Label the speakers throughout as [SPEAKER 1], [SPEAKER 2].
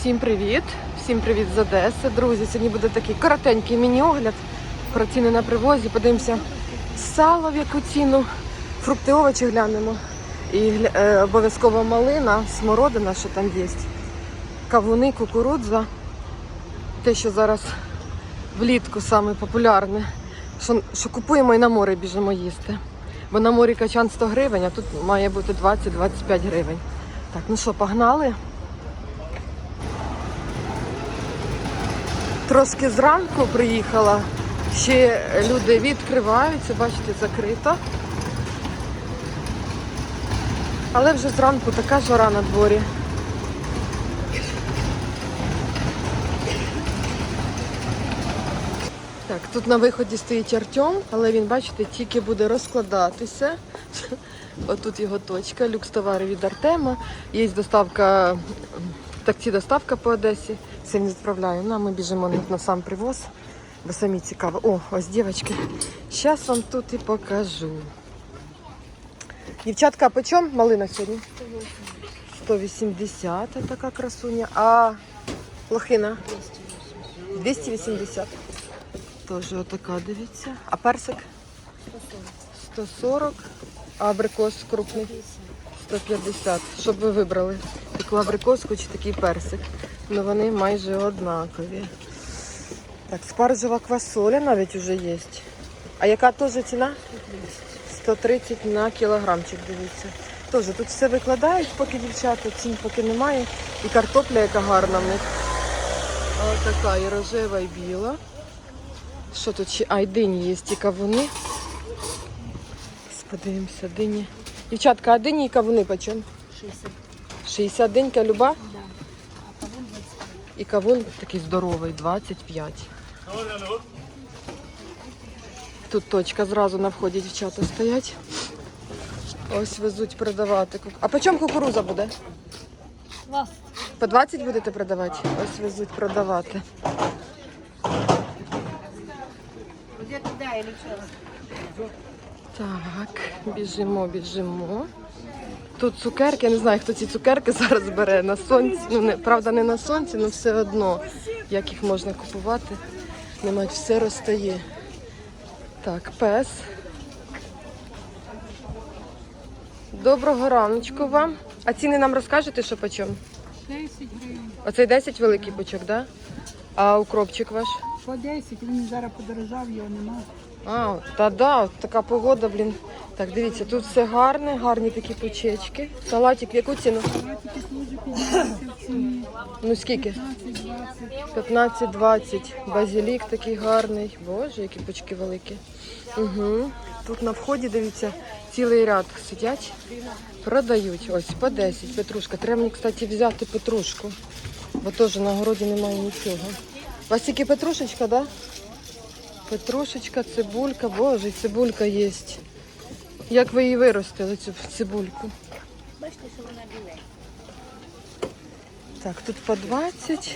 [SPEAKER 1] Всім привіт! Всім привіт з Одеси. Друзі, сьогодні буде такий коротенький міні-огляд про ціни на привозі. Подивимося сало, в яку ціну, фрукти, овочі глянемо. І обов'язково малина, смородина, що там є. Кавуни, кукурудза. Те, що зараз влітку саме популярне. Що купуємо і на море біжимо їсти. Бо на морі качан 100 гривень, а тут має бути 20-25 гривень. Так, ну що, погнали? Трошки зранку приїхала, ще люди відкриваються, бачите, закрито. Але вже зранку така жара на дворі. Так, тут на виході стоїть Артем, але він, бачите, тільки буде розкладатися. Отут його точка, люкс товари від Артема. Є доставка, таксі доставка по Одесі. Все не відправляю. Ну, а ми біжимо на сам привоз, бо самі цікаво. О, ось, дівчатки, зараз вам тут і покажу. Дівчатка, а по чому малина сьогодні? 180, така красуня. А лохина? 280. Тоже отака, дивіться. А персик? 140. А абрикос крупний? 150. Щоб ви вибрали таку абрикоску чи такий персик. Ну вони майже однакові. Так, спаржева квасоля навіть вже є. А яка теж ціна? 130 на кілограмчик, дивіться. Теж тут все викладають, поки дівчата, цін поки немає. І картопля, яка гарна в них. Ось така і рожева, і біла. Що тут ще? А, й дині є, і кавуни. Подивимося, дині. Дівчатка, а дині і кавуни по чому?
[SPEAKER 2] 60.
[SPEAKER 1] 60 динька люба?
[SPEAKER 2] Да. А кавун 25.
[SPEAKER 1] І кавун такий здоровий, 25. Тут точка, зразу на вході дівчата стоять. Ось везуть продавати. А по чому кукуруза буде?
[SPEAKER 2] 20.
[SPEAKER 1] По 20 будете продавати? Ось везуть продавати.
[SPEAKER 2] Где туда или что?
[SPEAKER 1] Так, біжимо. Тут цукерки, я не знаю, хто ці цукерки зараз бере на сонці. Ну, не, правда, не на сонці, але все одно, як їх можна купувати. Немає, все розтає. Так, пес. Доброго раночку вам. А ціни нам розкажете, що по чому?
[SPEAKER 2] 10 гривень.
[SPEAKER 1] Оцей 10 великий пучок, так? Да? А укропчик ваш?
[SPEAKER 2] По 10, він зараз подорожав, його нема.
[SPEAKER 1] А, та да, от така погода, блін. Так, дивіться, тут все гарне, гарні такі пучечки. Салатик в яку ціну?
[SPEAKER 2] Салатики теж 50 в ціні.
[SPEAKER 1] Ну скільки?
[SPEAKER 2] 15-20.
[SPEAKER 1] 15-20. Базилік такий гарний. Боже, які пучки великі. Угу. Тут на вході, дивіться, цілий ряд сидять, продають. Ось, по 10. Петрушка. Треба мені, кстати, взяти петрушку, бо теж на городі немає нічого. У вас тільки петрушечка, да? Петрушечка, цибулька. Боже, і цибулька є. Як ви її виростили, цю цибульку?
[SPEAKER 2] Бачите, що вона біла.
[SPEAKER 1] Так, тут по 20.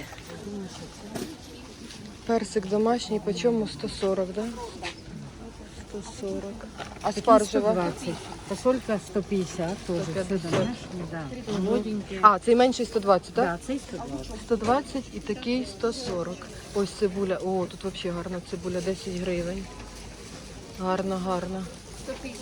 [SPEAKER 1] Персик домашній, по чому 140, да? 140. А спаржева?
[SPEAKER 3] 120. Фасолька 150 тоже.
[SPEAKER 1] 150.
[SPEAKER 3] Да. Молоденькие.
[SPEAKER 1] А, цей менший 120, так?
[SPEAKER 3] Да, цей 120.
[SPEAKER 1] 120 і такий 140. Ось цибуля. О, тут взагалі гарна цибуля, 10 гривень. Гарна, гарна.
[SPEAKER 2] 150.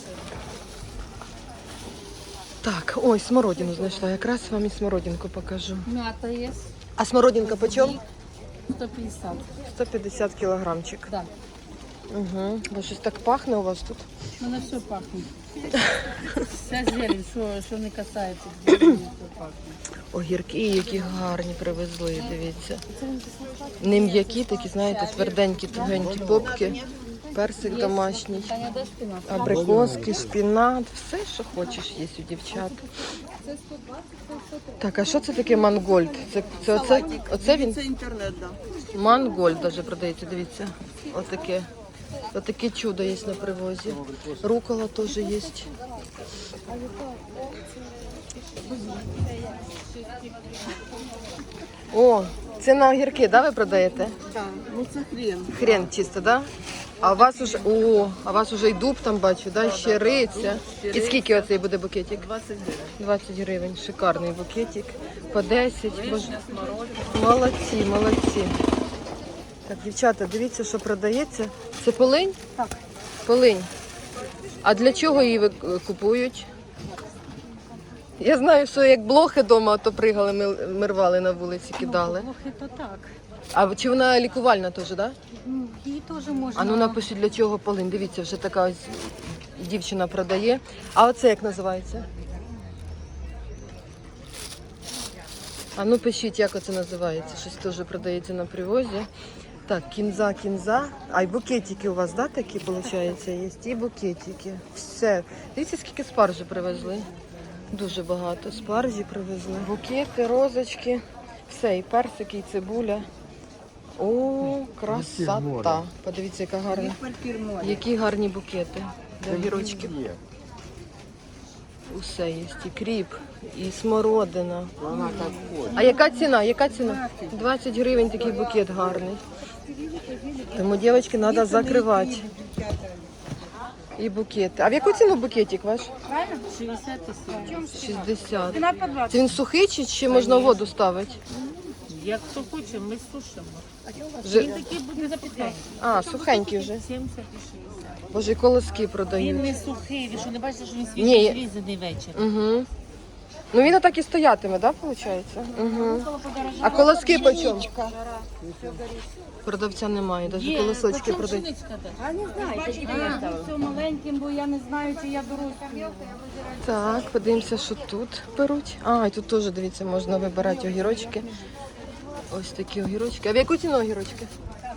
[SPEAKER 1] Так, ой, смородину знайшла. Якраз вам і смородинку покажу.
[SPEAKER 2] Мята є.
[SPEAKER 1] А смородинка по чому?
[SPEAKER 2] 150.
[SPEAKER 1] 150 кілограмчик.
[SPEAKER 2] Да.
[SPEAKER 1] Угу. Бо щось так пахне у вас тут.
[SPEAKER 2] Воно все пахне. Вся зелень, що не касається, зелені, все пахне.
[SPEAKER 1] Огірки, які гарні привезли, дивіться. Не м'які, такі, знаєте, тверденькі, тугенькі попки. Персик домашній,
[SPEAKER 2] Таня, де спина?
[SPEAKER 1] абрикоски, шпінат, все, що хочеш, є у дівчат.
[SPEAKER 2] Це 120, це 130.
[SPEAKER 1] Так, а що це таке мангольд? Оце він?
[SPEAKER 4] Це інтернет, да.
[SPEAKER 1] Мангольд даже продається, дивіться. Отаке чудо є на привозі. Рукола теж є. О, це на огірки, да, ви продаєте?
[SPEAKER 4] Так, ну це хрен.
[SPEAKER 1] Хрен чисто, да? А у вас уже, а у вас уже і дуб там бачу, да? Ще риця. І скільки оцей буде букетик?
[SPEAKER 4] 20 гривень.
[SPEAKER 1] 20 гривень. Шикарний букетик. по 10. Боже. Молодці, молодці. Так, дівчата, дивіться, що продається. Це полинь?
[SPEAKER 2] Так.
[SPEAKER 1] Полинь. А для чого її купують? Я знаю, що як блохи вдома, то пригали, ми рвали на вулиці, кидали.
[SPEAKER 3] Плохо то так.
[SPEAKER 1] А чи вона лікувальна теж, так? Да?
[SPEAKER 3] Ну, її теж можна.
[SPEAKER 1] А ну напишіть, для чого полинь. Дивіться, вже така ось дівчина продає. А оце як називається? А ну пишіть, як оце називається. Щось теж продається на привозі. Так, кінза. А й букетики у вас, да, такі, виходить, є? І букетики. Все. Дивіться, скільки спаржі привезли. Дуже багато спаржі привезли. Букети, розочки. Все, і персики, і цибуля. О, красота. Подивіться, яка гарна. Які гарні букети для огірочків. Усе є. І кріп, і смородина. А яка ціна? Яка ціна? 20 гривень такий букет гарний. Тому, дівчатки, треба закривати. І букети. А в яку ціну букетик ваш?
[SPEAKER 2] 60 тисяч.
[SPEAKER 1] 60. Це він сухий чи ще можна в воду ставити?
[SPEAKER 2] Як хто хоче, ми сушимо.
[SPEAKER 1] Вже...
[SPEAKER 2] Такий буде запікати.
[SPEAKER 1] А, сухенький вже.
[SPEAKER 2] 70 і 60.
[SPEAKER 1] Боже, і колоски
[SPEAKER 2] Він
[SPEAKER 1] продають.
[SPEAKER 2] не сухий, ви що не бачите, що він
[SPEAKER 1] Ні.
[SPEAKER 2] свіжий зрізаний вечір.
[SPEAKER 1] Угу. Ну він отак і стоятиме, так, виходить? Угу. А колоски по чому? Продавця немає, навіть колосочки продають.
[SPEAKER 2] А не знаю, все маленьким, бо я не знаю, чи я дорослий.
[SPEAKER 1] Так, подивимося, що тут беруть. А, і тут теж, дивіться, можна вибирати огірочки. Ось такі огірочки. А в яку ціну огірочки?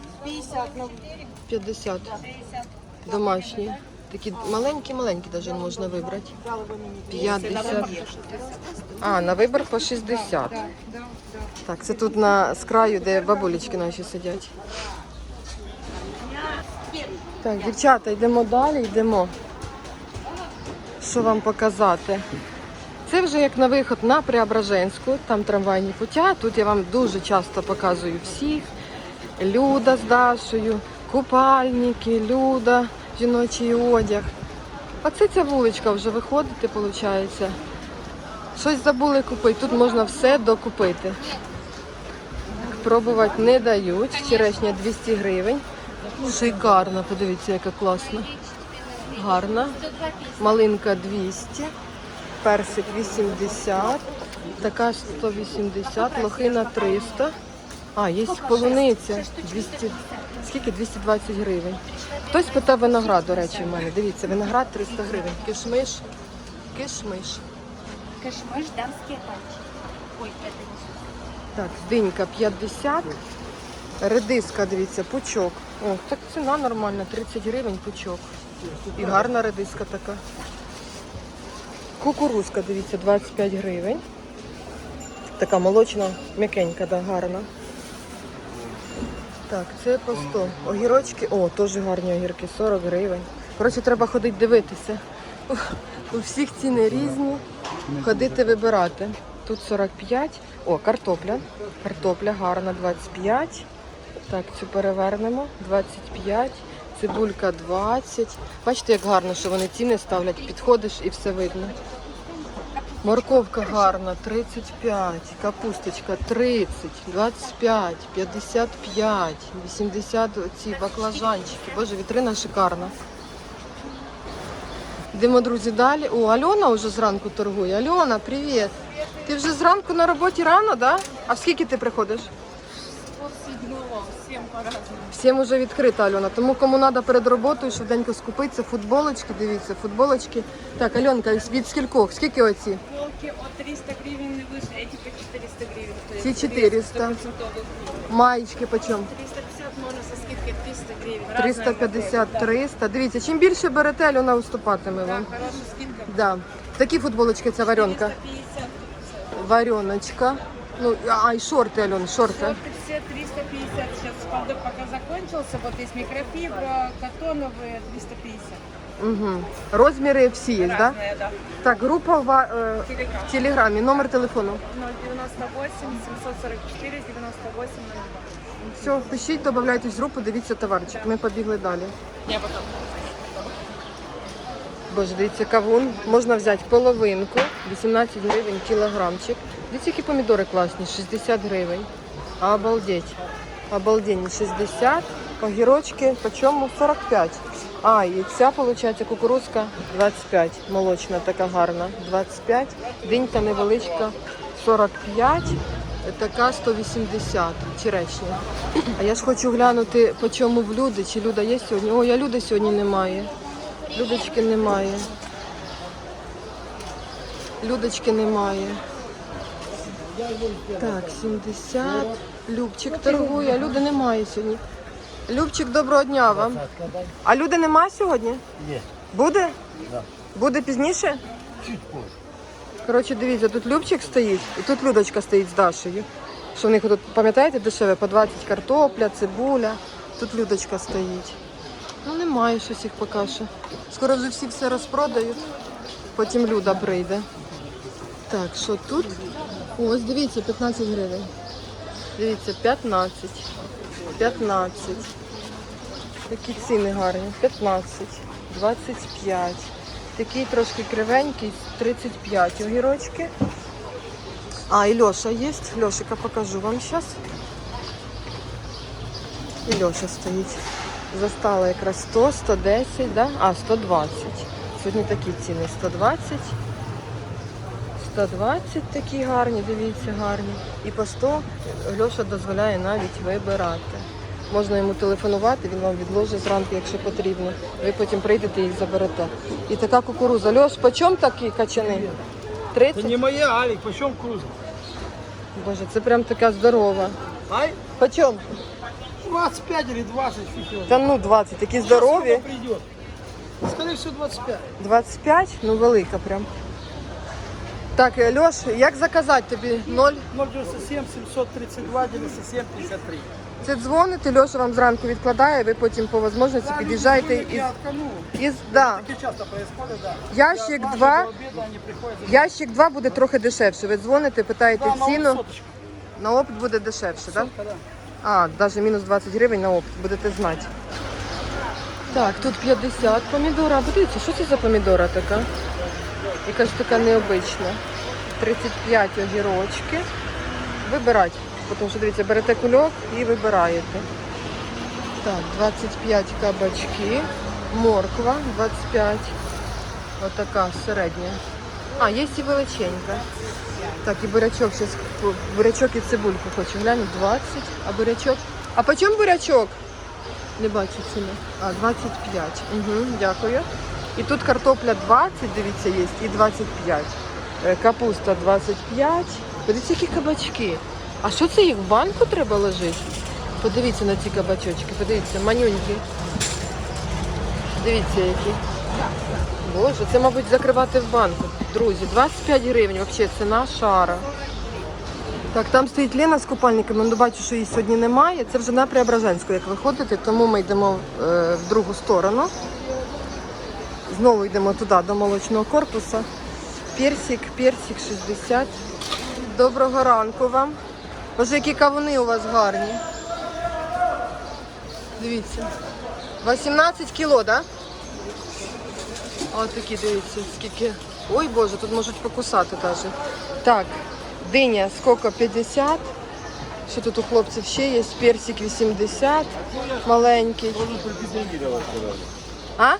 [SPEAKER 1] 50. Домашні. Такі маленькі-маленькі навіть можна вибрати. 50. А, на вибір по 60. Так, це тут з краю, де бабулечки наші сидять. Так, дівчата, йдемо далі, йдемо. Що вам показати? Це вже як на виход на Преображенську, там трамвайні путя. Тут я вам дуже часто показую всіх. Люда з Дашою, купальники, Люда, жіночий одяг. Оце ця вуличка вже виходити, виходить. Щось забули купити, тут можна все докупити. Пробувати не дають, черешня 200 гривень. Шикарна, подивіться, яка класна. Гарна. Малинка 200, персик 80, така 180, лохина 300. А, є полуниця 200, скільки? 220 гривень. Хтось питав виноград, до речі, в мене. Дивіться, виноград 300 гривень. Кишмиш.
[SPEAKER 5] Кишмиш, дамские пальчики. Ой, это не
[SPEAKER 1] Так, динька 50. Редиска, дивіться, пучок. О, так ціна нормальна, 30 гривень пучок. І гарна редиска така. Кукурузка, дивіться, 25 гривень. Така молочна, м'якенька, да, гарна. Так, це по 100. Огірочки, о, теж гарні огірки, 40 гривень. Коротше, треба ходити дивитися. У всіх ціни різні. Ходити вибирати. Тут 45. О, картопля. Картопля гарна, 25. Так, цю перевернемо. 25. Цибулька 20. Бачите, як гарно, що вони ціни ставлять. Підходиш і все видно. Морковка гарна, 35. Капусточка 30, 25, 55, 80 оці баклажанчики. Боже, вітрина шикарна. Йдемо, друзі, далі. О, Альона вже зранку торгує. Альона, привіт. Ти вже зранку на роботі рано, так? Да? А в скільки ти приходиш? Всім вже відкрита, Альона. Тому кому треба перед роботою швиденько скупитися. Футболочки, дивіться, футболочки. Так, Альонка, від скількох? Скільки оці?
[SPEAKER 6] Футболки от 300 гривен и выше, эти по 400 гривен. стоят.
[SPEAKER 1] Ці 400. Маєчки почем?
[SPEAKER 6] 350 можно со скидкой 300 гривен. Разная
[SPEAKER 1] 350,
[SPEAKER 6] модель,
[SPEAKER 1] 300. Дивіться, чим більше берете, Альона уступатиме
[SPEAKER 6] да.
[SPEAKER 1] вам.
[SPEAKER 6] Да, хорошая скидка.
[SPEAKER 1] Да. Такі футболочки, ця варенка.
[SPEAKER 6] 350.
[SPEAKER 1] Вареночка. Ну, а і шорти, Альон, шорти.
[SPEAKER 6] Вот все 350. Сейчас спалдок пока закончился. Вот есть микрофибра, катоновые 350.
[SPEAKER 1] Угу. Розміри всі є, так? Да?
[SPEAKER 6] Разные, да.
[SPEAKER 1] Так, група
[SPEAKER 6] Телеграм.
[SPEAKER 1] в Телеграмі, номер телефону.
[SPEAKER 6] 098 744 98 02.
[SPEAKER 1] Все, пишіть, додавайтесь в групу, дивіться товарчик. Ми побігли далі.
[SPEAKER 6] Я потом.
[SPEAKER 1] Боже, дивіться, кавун. Можна взяти половинку, 18 гривень кілограмчик. Дивіться, які помідори класні, 60 гривень. Обалдеть. Обалдень, 60. Огірочки, по чому? 45. А, і ця, виходить, кукурузка 25. Молочна така гарна, 25. Динька невеличка, 45. Така 180 черешня. А я ж хочу глянути, по чому в Люди. Чи Люда є сьогодні? Ой, а Люди сьогодні немає. Людочки немає. Людочки немає. Так, 70. Любчик торгує, а Люди немає сьогодні. Любчик, доброго дня вам. А Люди немає сьогодні?
[SPEAKER 7] Є.
[SPEAKER 1] Буде?
[SPEAKER 7] Да.
[SPEAKER 1] Буде пізніше?
[SPEAKER 7] Чуть позже.
[SPEAKER 1] Коротше, дивіться, тут Любчик стоїть, і тут Людочка стоїть з Дашею. Що в них тут, пам'ятаєте, дешеве? По 20 картопля, цибуля. Тут Людочка стоїть. Ну, немає щось їх поки що. Скоро вже всі все розпродають. Потім Люда прийде. Так, що тут? Ось, дивіться, 15 гривень. Дивіться, 15. 15. Такі ціни гарні. 15. 25. Такий трошки кривенький, 35 огірочки. А, і Льоша є. Льошика покажу вам зараз. І Льоша стоїть. Застала якраз 100, 110, да? А, 120. Сьогодні такі ціни. 120. 120 такі гарні, дивіться, гарні. І по 100 Льоша дозволяє навіть вибирати. Можна йому телефонувати, він вам відложить зранку, якщо потрібно. Ви потім прийдете і їх заберете. І така кукуруза. Льош, по чому такі качани? 30?
[SPEAKER 7] Это не моя, Алик, почем круза?
[SPEAKER 1] Боже, це прям така здорова.
[SPEAKER 7] Ай,
[SPEAKER 1] По чому?
[SPEAKER 7] 25 или 20, фиг его.
[SPEAKER 1] Та ну 20, такі здорові.
[SPEAKER 7] Придет. Скорее всего 25.
[SPEAKER 1] 25? Ну велика прям. Так, Льош, як заказати тобі? 0?
[SPEAKER 7] 097 732 97 53.
[SPEAKER 1] Це дзвоните, Льоша вам зранку відкладає, ви потім по можливості під'їжджаєте із... Да.
[SPEAKER 7] Таки часто происходит, да.
[SPEAKER 1] Ящик
[SPEAKER 7] Я
[SPEAKER 1] 2,
[SPEAKER 7] до обеда они приходят.
[SPEAKER 1] ящик 2 буде трохи дешевше. Ви дзвоните, питаєте
[SPEAKER 7] Да, на
[SPEAKER 1] ціну,
[SPEAKER 7] соточку.
[SPEAKER 1] на опт буде дешевше, так?
[SPEAKER 7] Сотка, да.
[SPEAKER 1] А, навіть мінус 20 гривень на опт, будете знати. Так, тут 50 помідора. Подивіться, що це за помідора така? Якась така необична. 35 огірочки. Вибирати. Тому що, дивіться, берете кульок і вибираєте. Так, 25 кабачки. Морква 25. Отака середня. А, є і величенька. Так, і бурячок. Зараз бурячок і цибульку хочу. Глянь, 20. А бурячок? А по чому бурячок? Не бачу ціни. А, 25. Угу, дякую. І тут картопля 20, дивіться, є, і 25. Капуста 25. Подивіться, які кабачки. А що це їх в банку треба ложити? Подивіться на ці кабачочки, подивіться, манюнькі. Дивіться, які. Боже, це, мабуть, закривати в банку. Друзі, 25 гривень, взагалі, ціна шара. Так, там стоїть Лена з купальниками, ну бачу, що її сьогодні немає. Це вже на Преображенську, як виходите, тому ми йдемо в другу сторону. Знову йдемо туди, до молочного корпусу. Персик 60. Доброго ранку вам. Боже, які кавуни у вас гарні. Дивіться. 18 кіло, так? Да? Ось такі, дивіться, скільки. Ой, Боже, тут можуть покусати навіть. Так, диня скільки? 50. Що тут у хлопців ще є? Персик 80. Маленький. А?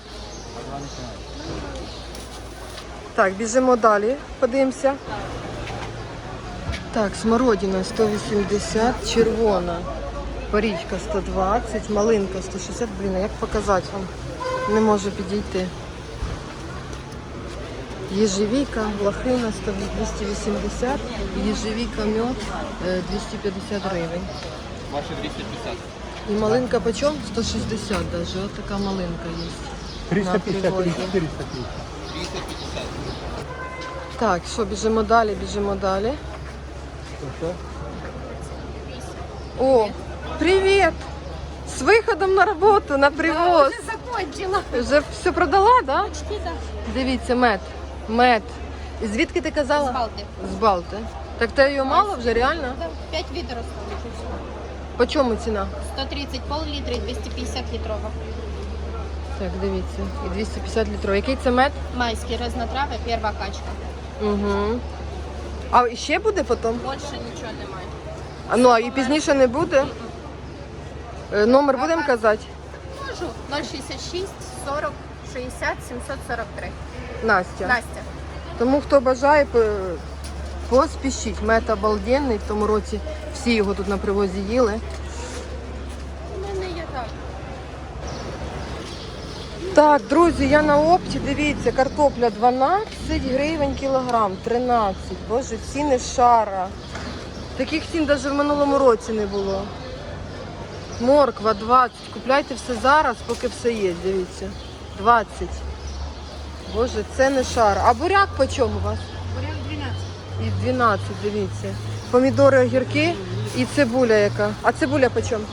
[SPEAKER 1] Так, біжимо далі, подивимося. Так, смородина 180, червона, порічка 120, малинка 160. Блін, а як показати вам? Не можу підійти. Єжевіка, лохина 280, єжевіка, мед 250 гривень.
[SPEAKER 8] Ваші 250.
[SPEAKER 1] І малинка почем? 160 навіть, от така малинка є.
[SPEAKER 7] 350
[SPEAKER 1] На привозі.
[SPEAKER 7] 450.
[SPEAKER 8] 250.
[SPEAKER 1] Так, що, біжимо далі, біжимо далі. О, привіт! З виходом на роботу, на привоз.
[SPEAKER 3] Вже закончила.
[SPEAKER 1] Вже все продала, да?
[SPEAKER 3] Почти, да.
[SPEAKER 1] Дивіться, мед. Мед. І звідки ти казала?
[SPEAKER 3] З Балти.
[SPEAKER 1] З Балти. Так те її мало вже, реально?
[SPEAKER 3] 5 відер осталось.
[SPEAKER 1] По чому ціна?
[SPEAKER 3] 130 пол-літри, 250 літрова.
[SPEAKER 1] Так, дивіться. І 250 літрів. Який це мед?
[SPEAKER 5] Майский разнотравье, первая качка.
[SPEAKER 1] Угу. А ще буде потім?
[SPEAKER 5] Больше ничего немає.
[SPEAKER 1] А, ну, а і пізніше не буде? Номер будемо казати?
[SPEAKER 5] Можу. 066 40 60 743.
[SPEAKER 1] Настя.
[SPEAKER 5] Настя.
[SPEAKER 1] Тому хто бажає, поспішіть. Мед обалденний. В тому році всі його тут на привозі їли.
[SPEAKER 5] У мене є так.
[SPEAKER 1] Так, друзі, я на опті, дивіться, картопля 12 гривень кілограм, 13. Боже, ціни шара. Таких цін навіть в минулому році не було. Морква 20. Купляйте все зараз, поки все є, дивіться. 20. Боже, це не шара. А буряк по чому у вас?
[SPEAKER 6] Буряк 12.
[SPEAKER 1] І 12, дивіться. Помідори, огірки і цибуля яка. А цибуля по чому?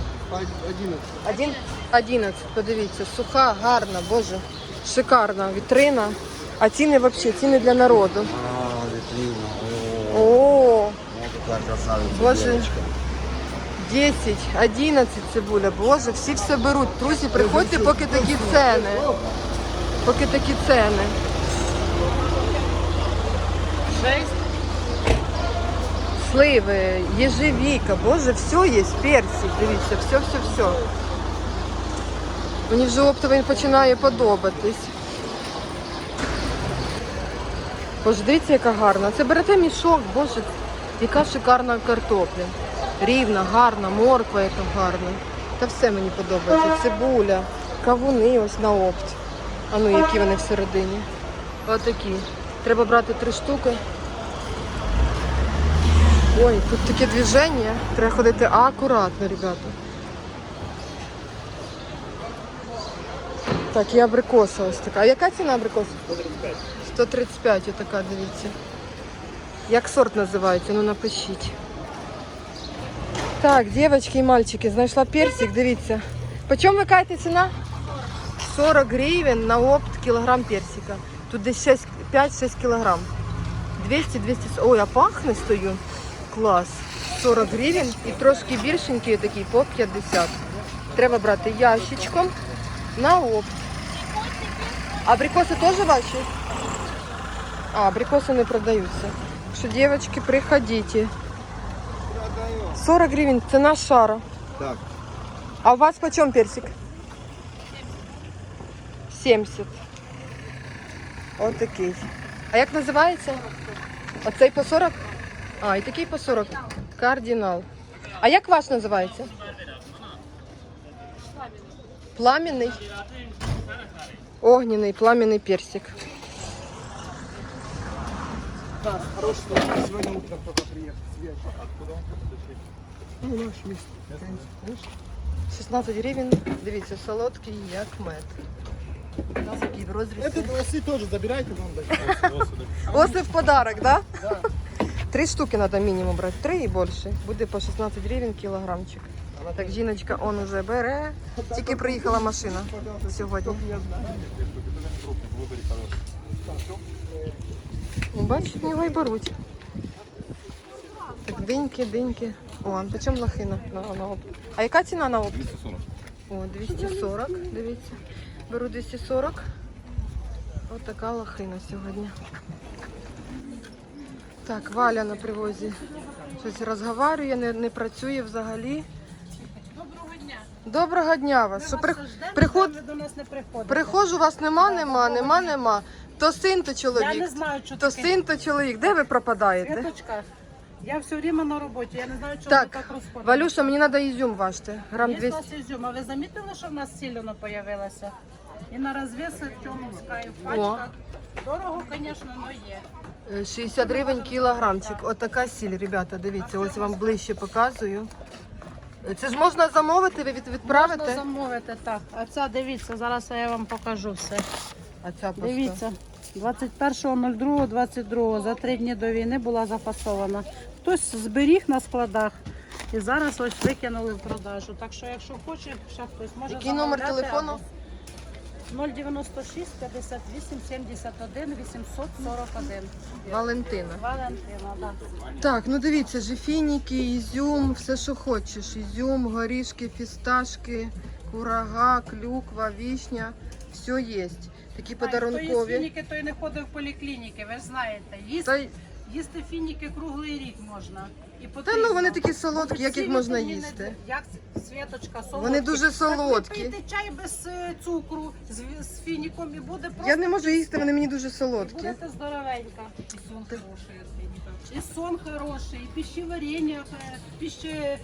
[SPEAKER 1] 11, подивіться, суха, гарна, боже, шикарна вітрина. А ціни взагалі, ціни для народу. О, боже, 10, 11 цибуля, боже, всі все беруть. Друзі, приходьте, поки такі ціни. Поки такі ціни. 6. Сливи, єжевіка, боже, все є, персик, дивіться, все. Мені вже оптовий починає подобатись. Боже, дивіться, яка гарна. Це берете мішок, боже, яка шикарна картопля. Рівна, гарна, морква яка гарна. Та все мені подобається. Цибуля, кавуни ось на опт. А ну, які вони всередині. Отакі. Треба брати 3 штуки. Ой, тут таке движення. Треба ходити акуратно, ребята. Так, і абрикоса ось така. А яка ціна абрикоса? 135. 135, отака, дивіться. Як сорт називається? Ну напишіть. Так, дівчатки і мальчики, знайшла персик, дивіться. По чому ви кажете ціна? 40 гривень на опт кілограм персика. Тут десь 5-6 кілограм. 200-200. Ой, а пахне стою. Клас. 40 гривень і трошки більшенький такий по 50. Треба брати ящичком на опт. Абрикоси теж ваші? А, абрикоси не продаються. Що, дівчатки, приходите. 40 гривень, ціна шара.
[SPEAKER 8] Так.
[SPEAKER 1] А у вас по чому персик? 70. Отакий. А як називається? Оцей по 40? А, і такий по 40. Кардинал. А як ваш називається? Пламенний. Огненний, пламенний персик.
[SPEAKER 7] Да, хороший, что сегодня утром только приехал. Свет. Откуда он? Ну, наш место.
[SPEAKER 1] 16 гривень. Дивіться, солодкий, як мед. Такий в розрізі.
[SPEAKER 7] Это осы тоже забирайте, вам дать.
[SPEAKER 1] Оси в подарок, да? Да. 3 штуки треба мінімум брати, 3 і більше. Буде по 16 гривень кілограмчик. Так, жіночка, он уже бере. Тільки приїхала машина сьогодні. Бачиш, в нього і беруть. Так, диньки. О, по чому лохина на опт? А яка ціна на опт?
[SPEAKER 8] 240.
[SPEAKER 1] О, 240, дивіться. Беру 240. Ось така лохина сьогодні. Так, Валя на привозі. Щось розговорює, не працює взагалі.
[SPEAKER 6] Доброго дня.
[SPEAKER 1] Доброго дня вас. Що
[SPEAKER 6] Ви до нас не приходите.
[SPEAKER 1] приходжу, вас нема. То син, то
[SPEAKER 6] Я
[SPEAKER 1] чоловік.
[SPEAKER 6] не знаю, що
[SPEAKER 1] То
[SPEAKER 6] таке.
[SPEAKER 1] син, то чоловік. Де ви пропадаєте?
[SPEAKER 6] Світочка, я все время на роботі, я не знаю, чому
[SPEAKER 1] Так,
[SPEAKER 6] ви так розходите.
[SPEAKER 1] Валюша, мені треба ізюм важити. Грам
[SPEAKER 6] Є у
[SPEAKER 1] 200.
[SPEAKER 6] нас ізюм, а ви замітили, що в нас сілено появилося? І на розвіси тьомовська, і в
[SPEAKER 1] О.
[SPEAKER 6] пачках. Дорого, звісно, але є.
[SPEAKER 1] 60 гривень кілограмчик. Отака сіль, ребята, дивіться, ось вам ближче показую. Це ж можна замовити, ви відправите?
[SPEAKER 6] Можна замовити, так. А ця, дивіться, зараз я вам покажу все.
[SPEAKER 1] А ця просто.
[SPEAKER 6] Дивіться, 21.02.22, за 3 дні до війни була запасована. Хтось зберіг на складах і зараз ось викинули в продажу. Так що, якщо хоче, ще хтось може
[SPEAKER 1] Який номер
[SPEAKER 6] замовляти
[SPEAKER 1] телефону?
[SPEAKER 6] або 096 58 71 841.
[SPEAKER 1] Валентина.
[SPEAKER 6] Валентина, так.
[SPEAKER 1] Так, ну дивіться, жефініки, ізюм, все, що хочеш. Ізюм, горішки, фісташки, курага, клюква, вишня. Все є. Такі
[SPEAKER 6] Хто є
[SPEAKER 1] подарункові.
[SPEAKER 6] фініки, той не ходив в поліклініки, ви ж знаєте.
[SPEAKER 1] Та,
[SPEAKER 6] Їсти фініки круглий рік можна. І
[SPEAKER 1] та
[SPEAKER 6] потрібно.
[SPEAKER 1] ну вони такі солодкі, як їх
[SPEAKER 6] Всі
[SPEAKER 1] можна
[SPEAKER 6] вітаміни,
[SPEAKER 1] їсти.
[SPEAKER 6] Як Світочка, солодкі.
[SPEAKER 1] Вони дуже солодкі.
[SPEAKER 6] Так ви пийте чай без цукру з фініком і буде просто...
[SPEAKER 1] Я не можу їсти, вони мені дуже солодкі.
[SPEAKER 6] Будете здоровенька. І сон хороший від фініка. І сон хороший, і пищеварення, все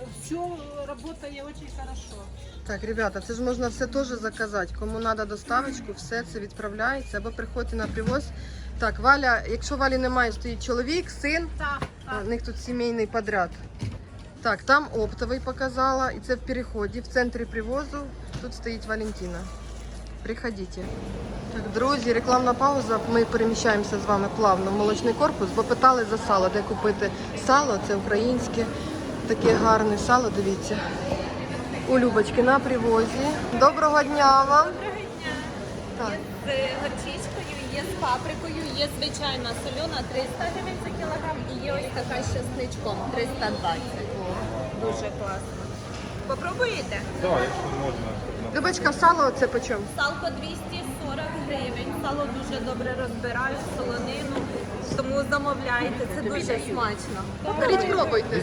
[SPEAKER 6] працює дуже хорошо.
[SPEAKER 1] Так, ребята, це ж можна все теж заказати. Кому треба доставочку, все це відправляється або приходьте на привоз. Так, Валя, якщо Валі немає, стоїть чоловік, син,
[SPEAKER 6] Так,
[SPEAKER 1] у них тут сімейний подряд. Так, там оптовий показала, і це в переході, в центрі привозу. Тут стоїть Валентина. Приходіть. Так, друзі, рекламна пауза. Ми переміщаємося з вами плавно в молочний корпус, бо питали за сало, де купити сало, це українське, таке гарне сало, дивіться. У Любочки на привозі. Доброго дня вам. Так.
[SPEAKER 9] З горчичкою, є з паприкою, є звичайна солена 300 гривень за кілограм і є ось така з чесничком 320. Дуже класно. Попробуєте?
[SPEAKER 1] Любочка, сало це по чому?
[SPEAKER 9] Салко 240 гривень. Сало дуже добре розбирають, солонину, тому замовляйте, це дуже смачно.
[SPEAKER 1] Беріть, пробуйте.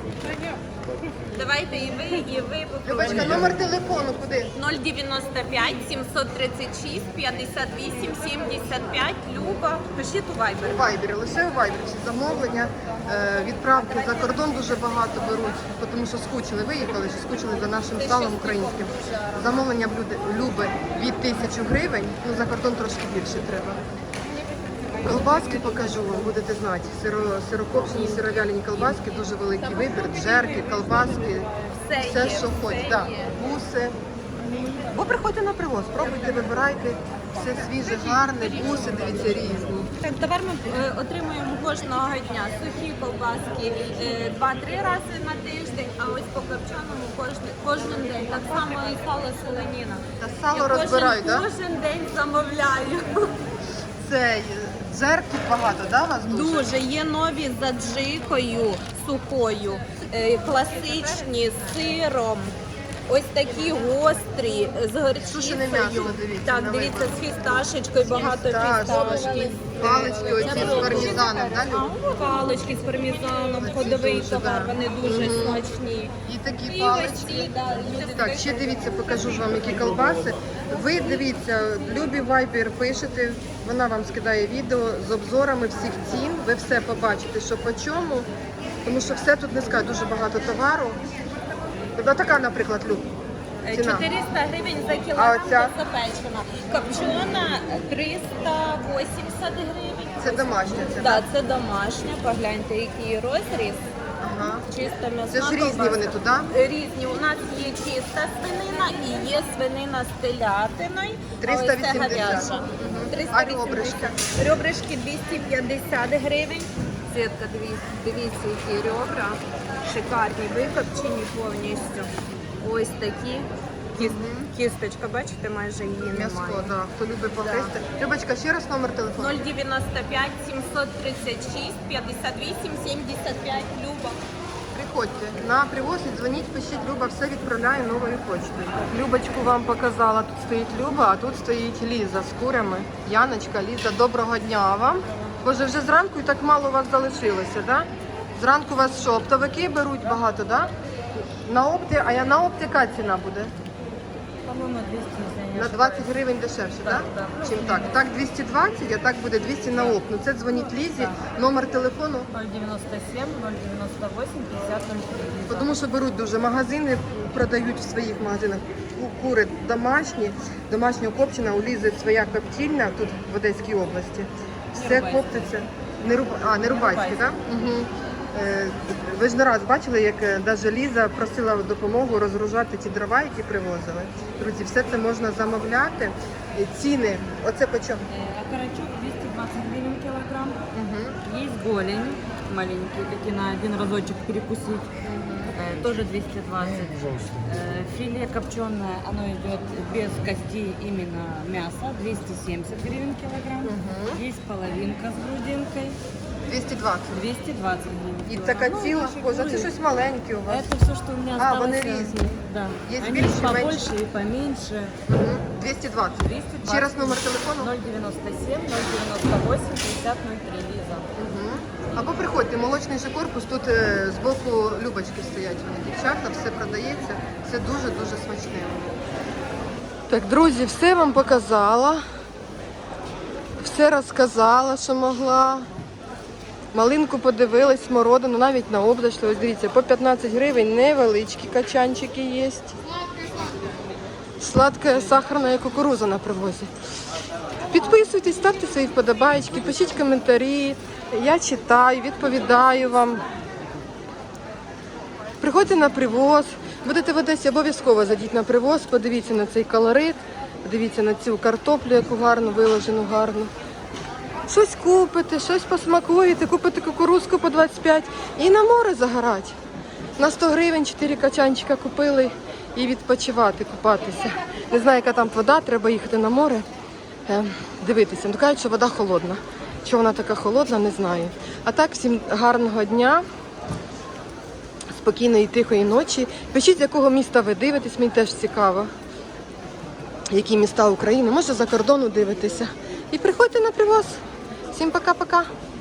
[SPEAKER 9] Давайте і ви
[SPEAKER 1] Любочка,
[SPEAKER 9] попробуйте.
[SPEAKER 1] номер телефону куди?
[SPEAKER 9] 095 736 58 75. Люба. Пишіть у Viber.
[SPEAKER 1] У Вайбері, лише у Вайбері всі замовлення, відправки за кордон дуже багато беруть, тому що скучили, виїхали, що скучили за нашим салом українським. Замовлення Люби від 1000 гривень, ну за кордон трошки більше треба. Колбаски покажу вам, будете знати. Сирокопчені, сировяльні колбаски, дуже великий вибір, джерки, колбаски, все
[SPEAKER 9] є,
[SPEAKER 1] що хоч.
[SPEAKER 9] все
[SPEAKER 1] Да.
[SPEAKER 9] є.
[SPEAKER 1] Буси. Бо приходьте на привоз, пробуйте, вибирайте, все свіже, гарне, буси, дивіться, різні.
[SPEAKER 9] Так, товар ми отримуємо кожного дня. Сухі колбаски 2-3 рази на тиждень, а ось по копченому кожен день. Так само і сало соленіна.
[SPEAKER 1] Та сало
[SPEAKER 9] Я
[SPEAKER 1] розбирають, так?
[SPEAKER 9] кожен день замовляю.
[SPEAKER 1] Це джерків багато, да, у вас дуже?
[SPEAKER 9] Дуже. Є нові з аджикою сухою, класичні з сиром. Ось такі гострі, з горчицею.
[SPEAKER 1] Сушене м'ясо, дивіться, на
[SPEAKER 9] Так, дивіться,
[SPEAKER 1] вибір.
[SPEAKER 9] з фісташечкою, багато
[SPEAKER 1] Фісташки.
[SPEAKER 9] фісташки.
[SPEAKER 1] Палички оці з пармезаном, да, Люб?
[SPEAKER 9] Палички з пармезаном, ходовий
[SPEAKER 1] дуже,
[SPEAKER 9] товар,
[SPEAKER 1] да.
[SPEAKER 9] вони дуже смачні.
[SPEAKER 1] І такі
[SPEAKER 9] І ось
[SPEAKER 1] палички.
[SPEAKER 9] ці, да, люди
[SPEAKER 1] Так, ще дивіться, покажу ж вам, які колбаси. Ви дивіться, Любі Вайбер пишете, вона вам скидає відео з обзорами всіх цін. Ви все побачите, що по чому. Тому що все тут не скажуть, дуже багато товару. Тобто така, наприклад, Люб, ціна.
[SPEAKER 9] 400 гривень за
[SPEAKER 1] А
[SPEAKER 9] кілограм
[SPEAKER 1] оця?
[SPEAKER 9] запечена. Копчена 380 гривень.
[SPEAKER 1] Це домашня ціна.
[SPEAKER 9] Так, це домашня, погляньте, який розріз.
[SPEAKER 1] Ага.
[SPEAKER 9] Чиста м'ясна
[SPEAKER 1] Це ж різні
[SPEAKER 9] ковбаска.
[SPEAKER 1] вони тут, так?
[SPEAKER 9] Різні. У нас є чиста свинина і є свинина з телятиною. а ось це
[SPEAKER 1] 380.
[SPEAKER 9] говяжа.
[SPEAKER 1] Мгм.
[SPEAKER 9] 380.
[SPEAKER 1] А ребрышки?
[SPEAKER 9] Ребрышки 250 гривень. Сітка, дивіться, які ребра. Шикарні, викопчені повністю. Ось такі. Кісточка, бачите, майже її
[SPEAKER 1] М'яско,
[SPEAKER 9] немає.
[SPEAKER 1] да. Хто любить погризти. Любочка, ще раз номер телефону.
[SPEAKER 9] 095 736 58 75. Люба.
[SPEAKER 1] Приходьте на привоз і дзвоніть, пишіть, Люба все відправляє новою почтою. Любочку вам показала, тут стоїть Люба, а тут стоїть Ліза з курями. Яночка, Ліза, доброго дня вам. Боже, вже зранку і так мало у вас залишилося, да? Зранку вас що, оптовики беруть багато, да? На опті, а я на опті яка ціна буде?
[SPEAKER 2] По-моему, 200.
[SPEAKER 1] На 20 гривень дешевше, так? Чим так? Так 220, а так буде 200 на опт. Ну це дзвоніть Лізі, номер телефону.
[SPEAKER 2] 097, 098, 50, 03.
[SPEAKER 1] Тому що беруть дуже магазини, продають в своїх магазинах кури домашня копчена, у Лізи своя коптільня тут в Одеській області. Все коптиться. Не рубайське, так? Угу. Ви ж не раз бачили, як навіть Ліза просила допомогу розгружати ті дрова, які привозили. Друзі, все це можна замовляти. Ціни, оце по чому?
[SPEAKER 2] Окорочок 220 гривен килограмм.
[SPEAKER 1] Угу.
[SPEAKER 2] Есть голень маленький, такие на один разочек перекусить. Тоже 220. Филе копченое, оно идет без костей, именно мясо, 270 гривен килограмм. Есть половинка с грудинкой.
[SPEAKER 1] 220.
[SPEAKER 2] 220 гривен.
[SPEAKER 1] І така ціла кожа. Це щось маленьке у вас.
[SPEAKER 2] Это все, что у меня
[SPEAKER 1] А,
[SPEAKER 2] осталось.
[SPEAKER 1] вони різні.
[SPEAKER 2] Да.
[SPEAKER 1] Есть
[SPEAKER 2] Они
[SPEAKER 1] больше,
[SPEAKER 2] побольше
[SPEAKER 1] меньше?
[SPEAKER 2] и поменьше.
[SPEAKER 1] 220.
[SPEAKER 2] 220.
[SPEAKER 1] Ще раз номер телефону.
[SPEAKER 2] 097 098 5003 Лиза.
[SPEAKER 1] Або приходьте, молочний же корпус, тут збоку Любочки стоять вони, дівчата, все продається, все дуже-дуже смачне. Так, друзі, все вам показала, все розказала, що могла. Малинку подивилась, смородину, навіть на обдаш. Ось дивіться, по 15 гривень невеличкі качанчики є. Сладка сахарна кукуруза на привозі. Підписуйтесь, ставте свої вподобайки, пишіть коментарі. Я читаю, відповідаю вам. Приходьте на привоз. Будете в Одесі, обов'язково зайдіть на привоз, подивіться на цей колорит, подивіться на цю картоплю, яку гарну, виложену гарну. Щось купите, щось посмакуєте, купите кукурузку по 25 і на море загорать. На 100 гривень 4 качанчика купили і відпочивати, купатися. Не знаю, яка там вода, треба їхати на море, дивитися. Ну, кажуть, що вода холодна. Чого вона така холодна, не знаю. А так, всім гарного дня, спокійної, тихої ночі. Пишіть, з якого міста ви дивитесь, мені теж цікаво. Які міста України, може за кордону дивитеся. І приходьте на привоз. Всім пока-пока.